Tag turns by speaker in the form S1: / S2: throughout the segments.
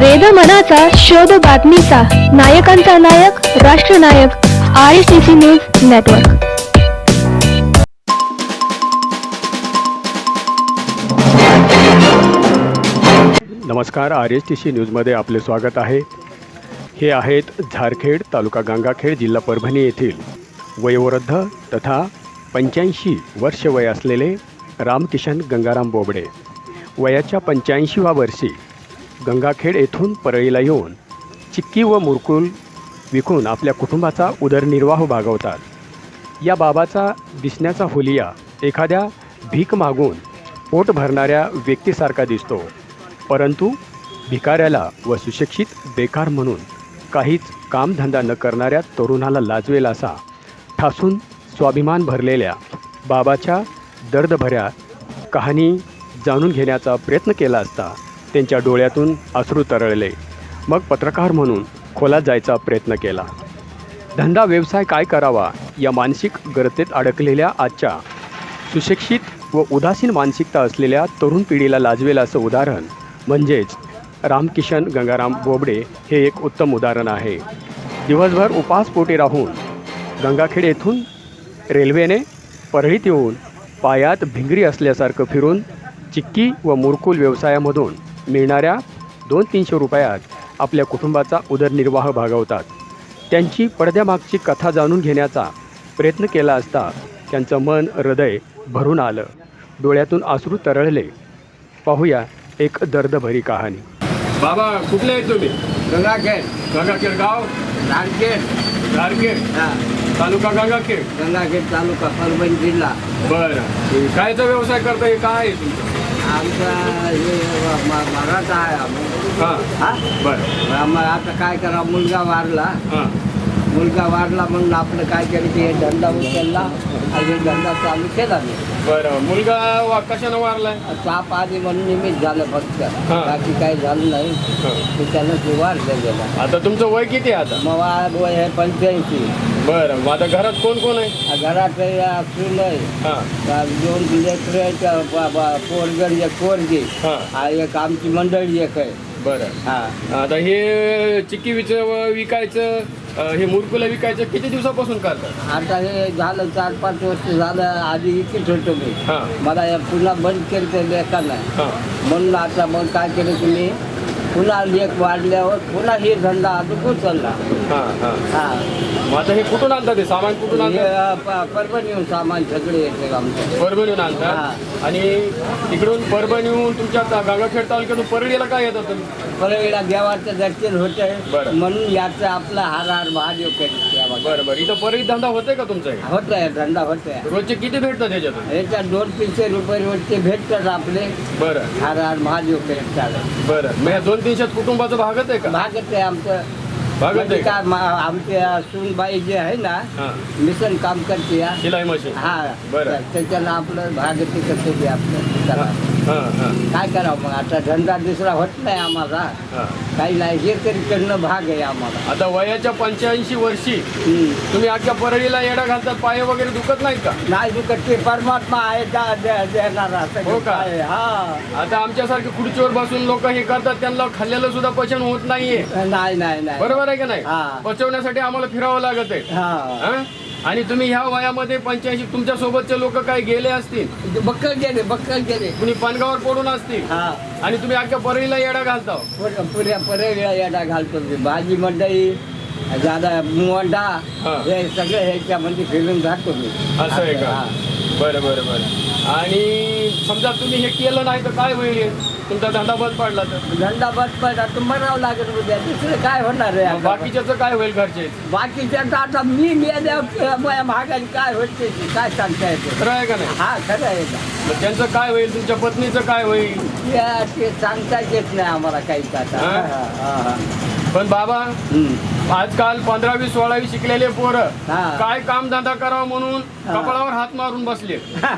S1: वेद मनाचा शोध बातमीचा नायकांचा नायक राष्ट्रनायक RSTC न्यूज नेटवर्क।
S2: नमस्कार, RSTC न्यूजमध्ये आपले स्वागत आहे। हे आहेत झारखेड तालुका गंगाखेड जिल्हा परभणी येथील वयोवृद्ध तथा 85 वर्ष वय असलेले रामकिशन गंगाराम बोबडे। वयाच्या 85व्या वर्षी गंगाखेड येथून परळीला येऊन चिक्की व मुरकुल विकून आपल्या कुटुंबाचा उदरनिर्वाह भागवतात। या बाबाचा दिसण्याचा हुलिया एखाद्या भीक मागून पोट भरणाऱ्या व्यक्तीसारखा दिसतो, परंतु भिकाऱ्याला व सुशिक्षित बेकार म्हणून काहीच कामधंदा न करणाऱ्या तरुणाला लाजवेल असा ठासून स्वाभिमान भरलेल्या बाबाच्या दर्दभऱ्या कहाणी जाणून घेण्याचा प्रयत्न केला असता त्यांच्या डोळ्यातून अश्रू तरळले। मग पत्रकार म्हणून खोलात जायचा प्रयत्न केला। धंदा व्यवसाय काय करावा या मानसिक गर्तेत अडकलेल्या आजच्या सुशिक्षित व उदासीन मानसिकता असलेल्या तरुण पिढीला लाजवेल असं उदाहरण म्हणजेच रामकिशन गंगाराम बोबडे हे एक उत्तम उदाहरण आहे। दिवसभर उपासपोटी राहून गंगाखेड येथून रेल्वेने परळीत येऊन पायात भिंगरी असल्यासारखं फिरून चिक्की व मुरकुल व्यवसायामधून मिळणाऱ्या 200-300 रुपयात आपल्या कुटुंबाचा उदरनिर्वाह भागवतात। त्यांची पडद्यामागची कथा जाणून घेण्याचा प्रयत्न केला असता त्यांचं मन हृदय भरून आलं, डोळ्यातून अश्रू तरळले। पाहूया एक दर्दभरी कहाणी। बाबा कुठले आहेत तुम्ही?
S3: गंगाखेड
S2: गंगाखेड गाव
S3: झारखेड
S2: झारखेड तालुका
S3: गंगाखेड तालुका परभणी जिल्हा।
S2: बरं, कायचा व्यवसाय करता? हे काय आहे तुमचं?
S3: आमचा हे मराठा आहे आम्ही।
S2: हां बरं,
S3: आम्हाला आता काय करा, मुलगा वारला म्हणून आपलं काय केलं की हे धंदा उचलला आणि हे धंदा चालू केला मी।
S2: बरं, मुलगा कशानं वारलाय?
S3: ताप आधी म्हणून निमित्त झालं फक्त, बाकी काही झालं नाही। त्याच्यानं ते वारलं गेलं।
S2: आता तुमचं वय किती आहे आता?
S3: मग वय आहे 85।
S2: बरं, मग आता घरात कोण कोण आहे?
S3: घरात असून
S2: हां
S3: 2 लेकरं, पोरगड एक पोरगी,
S2: हां
S3: एक आमची मंडळी एक आहे।
S2: बरं,
S3: हा
S2: आता हे चिक्की विकायचं, हे मुरकुला विकायचं किती दिवसापासून करतात?
S3: आता हे झालं 4-5 वर्ष झालं। आधी इकत होतो मी,
S2: हां
S3: मला पुन्हा बंद केलं ते लेखाला
S2: हां
S3: म्हणून आता मग काय केलं तुम्ही, पुन्हा लेख वाढल्यावर पुन्हा हे धंदा अजून उचलला।
S2: हां हां
S3: हा
S2: मग आता हे कुठून आणतात? ते सामान कुठून आणतात?
S3: परभणीहून सामान सगळे येते आमचं।
S2: परभणीहून आणतात आणि तिकडून परभणीहून तुमच्या गंगाखेड तालुक्यातून परळीला काय येतात तुम्ही?
S3: परळीला देवाचं दर्शन होते
S2: बरं.
S3: म्हणून याचं आपला हार महादेव करीत।
S2: बरं बरं, इथं परळीत धंदा होतोय का तुमचा?
S3: होत आहे, धंदा होत आहे।
S2: रोजचे किती भेटतात त्याच्यातून?
S3: याच्यात 200-300 रुपये रोजचे भेटतात आपले।
S2: बरं
S3: हार महादेव करीत चालत।
S2: बरं, मग 200-300 कुटुंबाचं भागत आहे का?
S3: भागत आहे आमचं।
S2: भागत आहे का?
S3: आमच्या सूनबाई जे आहे ना,
S2: हां
S3: मिशन काम करते या।
S2: शिलाई मशीन.
S3: हा
S2: बरं.
S3: त्याच्यानं आपलं भागते कसं बी आपलं करा।
S2: हां हां
S3: काय करावं मग, आता धंदा दुसरा होत नाही आम्हाला,
S2: हां
S3: काही नाही, हे तरी करणं भाग आहे आम्हाला।
S2: आता वयाच्या 85 वर्षी तुम्ही अख्ख्या परळीला येडा घालतात, पाय वगैरे दुखत नाहीत का?
S3: नाही दुखत, ते परमात्मा आहे देणारा सगळं
S2: हो का?
S3: आहे। हा
S2: आता आमच्यासारखे खुर्चीवर बसून लोक हे करतात, त्यांना खाल्लेलं सुद्धा पचन होत नाहीये।
S3: नाही नाही नाही
S2: बरोबर आहे का नाही?
S3: हा.
S2: पचवण्यासाठी आम्हाला फिरावं लागत आहे।
S3: हा
S2: हां? आणि तुम्ही ह्या वयामध्ये 85, तुमच्या सोबतचे लोक काही गेले असतील,
S3: बक्कल गेले
S2: कुणी पानगावर पडून असतील,
S3: हा
S2: आणि तुम्ही अख्ख्या परळीला येडा घालता।
S3: पुऱ्या परळीला येडा घालतो मी। भाजी मंडई जादा मुवंडा
S2: हा.
S3: हे सगळे ह्याच्यामध्ये फिरून जातो मी।
S2: असं आहे का?
S3: हा.
S2: बरं बरं बरं, आणि समजा तुम्ही हे केलं नाही तर काय होईल? तुमचा धंदा बंद पडला तर?
S3: धंदा बंद पडला तर मरावं लागेल उद्या, दुसरं काय होणार आहे
S2: मग
S3: आता?
S2: बाकीच्याचं काय होईल घरचे?
S3: बाकीच्या आता मी मेल्यावर महागाई काय होते ते काय सांगता येते?
S2: खरं आहे का नाही?
S3: हा खरं आहे का?
S2: मग त्यांचं काय होईल? तुमच्या पत्नीचं काय होईल?
S3: ते सांगता येत नाही आम्हाला काहीच आता।
S2: हा?
S3: हा, हा.
S2: पण बाबा,
S3: हम्म.
S2: आजकाल 15वी 16वी शिकलेले पोरं
S3: हा.
S2: काय काम धंदा करावा म्हणून कपाळावर हात मारून बसले,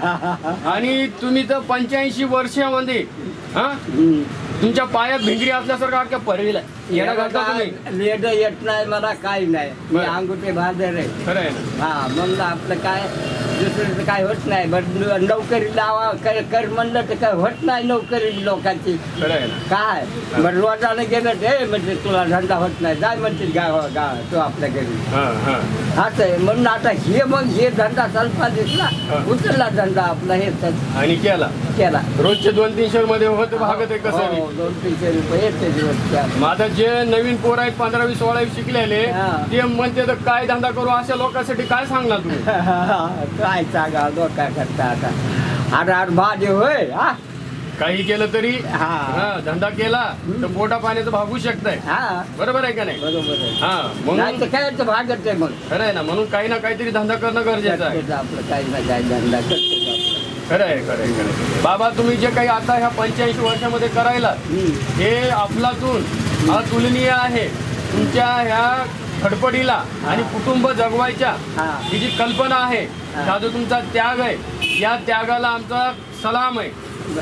S2: आणि तुम्ही तर 85 वर्षामध्ये
S3: हम्म.
S2: तुमच्या पायात भिंगरी असल्यासारखं अख्ख्या परळीला येडा घालता तुम्ही?
S3: लेट येत नाही मला, काही नाही, मी
S2: बरं.
S3: अंगुठे बांधर आहे।
S2: खरं आहे ना?
S3: हा म्हणलं आपलं काय दुसरं तर काय होत नाही. बरं नोकरी लावा कर म्हणलं तर काय होत नाही नोकरी लोकांची.
S2: खरं आहे ना.
S3: काय बरं रोजानं गेलं ते म्हणजे तुला धंदा होत नाही, जाय म्हणते गाव तो आपल्या घरी.
S2: हां हां
S3: असं आहे. म्हणून आता हे धंदा चालता दिसला, उचलला धंदा आपला हे
S2: आणि केला रोजचे 200-300 मध्ये होत भागत आहे कसं बी.
S3: 200-300 रुपये येते दिवसच्या.
S2: मग आता जे नवीन पोर आहेत 15-20 शिकलेले
S3: हा.
S2: ते म्हणते तर काय धंदा करू, अशा लोकांसाठी काय सांगणार तुम्ही?
S3: काय सांगा काय करता आता. आर भाजी होय हा
S2: काही केलं तरी
S3: हा.
S2: हा, धंदा केला तर पोटा पाण्याचं भागू शकताय.
S3: हा
S2: बरोबर आहे का नाही?
S3: बरोबर आहे.
S2: हा
S3: नाही
S2: म्हणून
S3: तर काय भागत आहे मग.
S2: खरं आहे ना. म्हणून काही ना काहीतरी धंदा करणं गरजेचं आहे.
S3: करतो आपलं काही ना काही धंदा करतो आपलं.
S2: खरं आहे खरं आहे खरं आहे. बाबा तुम्ही जे काही आता ह्या 85 वर्षामध्ये करायला हे अफलातून अतुलनीय आहे. तुमच्या ह्या खडपडीला आणि कुटुंब जगवायच्या
S3: हा.
S2: ही जी कल्पना आहे,
S3: हा.
S2: हा जो तुमचा त्याग आहे, या त्यागाला आमचा सलाम आहे.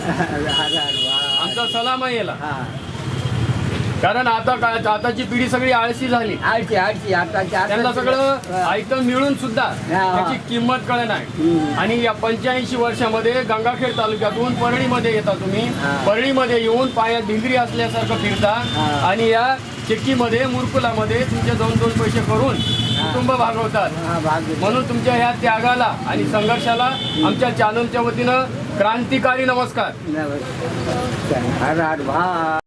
S2: आमचा सलाम आहे याला.
S3: हा
S2: कारण आताची पिढी सगळी आळशी झाली.
S3: आळशी आता
S2: त्यांना सगळं आयटम मिळून सुद्धा त्याची किंमत कळत नाही. आणि या 85 वर्षामध्ये गंगाखेड तालुक्यातून परळीमध्ये येता तुम्ही. परळीमध्ये येऊन पायात भिंगरी असल्यासारखं फिरता आणि या चक्कीमध्ये मुरकुलामध्ये तुमचे 2 पैसे करून कुटुंब भागवतात. म्हणून तुमच्या ह्या त्यागाला आणि संघर्षाला आमच्या चॅनलच्या वतीनं क्रांतिकारी नमस्कार.
S3: नमस्कार. हर हर भा